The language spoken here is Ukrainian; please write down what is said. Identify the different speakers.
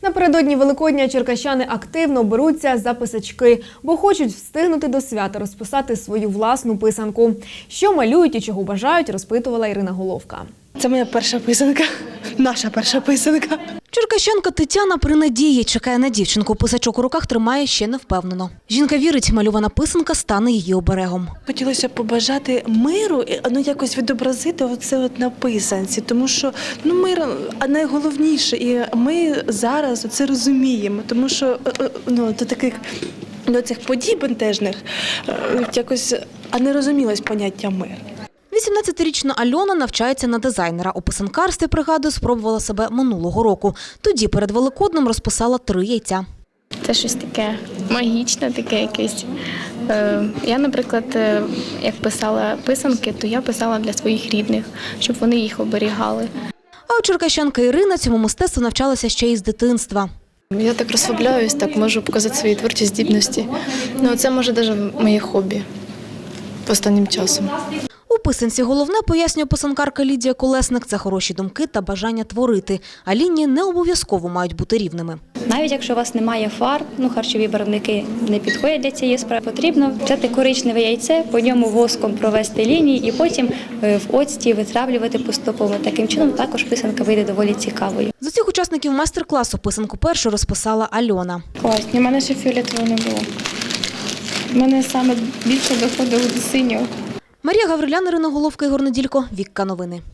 Speaker 1: Напередодні Великодня черкащани активно беруться за писачки, бо хочуть встигнути до свята розписати свою власну писанку. Що малюють і чого бажають, розпитувала Ірина Головка.
Speaker 2: Це моя перша писанка, наша перша писанка.
Speaker 3: Черкащанка Тетяна при надії чекає на дівчинку. Писачок у руках тримає ще не впевнено. Жінка вірить, мальована писанка стане її оберегом.
Speaker 2: Хотілося побажати миру, якось відобразити оце на писанці, тому що мир найголовніше, і ми зараз це розуміємо, тому що до таких до цих подій бентежних якось не розумілось поняття мир.
Speaker 3: 18-річна Альона навчається на дизайнера. У писанкарстві, пригадує, спробувала себе минулого року. Тоді перед Великоднем розписала 3 яйця.
Speaker 4: Це щось таке магічне, таке якесь. Я, наприклад, як писала писанки, то я писала для своїх рідних, щоб вони їх оберігали.
Speaker 3: А от черкащанка Ірина цьому мистецтву навчалася ще із дитинства.
Speaker 5: Я так розслабляюсь, так можу показати свої творчі здібності. Це може навіть моє хобі останнім часом.
Speaker 3: У писанці головне, пояснює писанкарка Лідія Колесник, це хороші думки та бажання творити. А лінії не обов'язково мають бути рівними.
Speaker 6: Навіть якщо у вас немає фарб, харчові барвники не підходять для цієї справи, потрібно взяти коричневе яйце, по ньому воском провести лінії і потім в оцті витравлювати поступово. Таким чином також писанка вийде доволі цікавою.
Speaker 3: З усіх учасників майстер-класу писанку першу розписала Альона.
Speaker 4: Класні, у мене ще фіолетового не було. У мене саме більше доходило до синього.
Speaker 3: Марія Гаврилян, Ірина Головка, Ігор Неділько. Вікка новини.